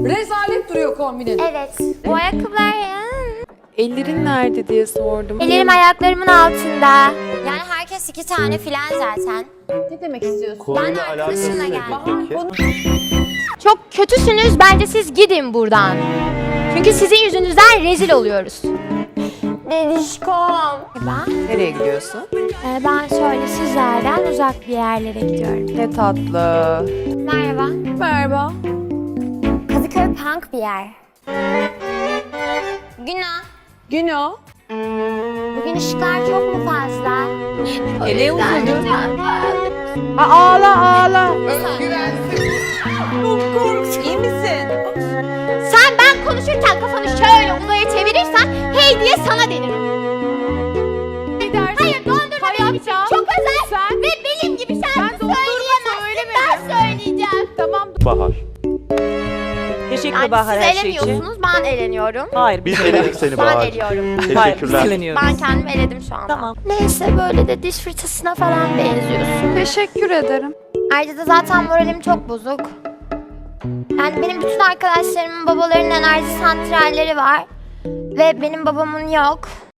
Rezalet duruyor kombinin. Evet. Bu ayakkabılar ya. Ellerin nerede diye sordum. Ellerim ayaklarımın altında. Yani herkes 2 tane filan zaten. Ne demek istiyorsun? Konuyla Ben alakası arkadaşımla ne geldim. peki? Çok kötüsünüz. Bence siz gidin buradan. Çünkü sizin yüzünüzden rezil oluyoruz. Dedişkom. Nereye gidiyorsun? Ben şöyle sizlerden uzak bir yerlere gidiyorum. Ne tatlı. Merhaba. Merhaba. Kadıköy punk bir yer. Günah. Günah. Bugün ışıklar çok mu fazla? Ele uzadı. Ağla. İyi misin? Sen ben konuşurken kafanı şöyle uzaya çevirirsen hey diye sana denirim. Hayır dondurma benim için çok özel ve benim gibi şarkı söyleyemezsin. Ben söyleyeceğim. Bahar. Teşekkür Yani Bahar siz her şey için. eleniyorsunuz ben eleniyorum. Hayır. Biz eledik seni Ben Bahar. eliyorum. Hayır, biz Teşekkürler. dileniyoruz. Ben kendimi eledim şu anda. Tamam. Neyse böyle de diş fırçasına falan benziyorsun. Teşekkür ederim. Ayrıca da zaten moralim çok bozuk. Yani benim bütün arkadaşlarımın babalarının enerji santralleri var. Ve benim babamın yok.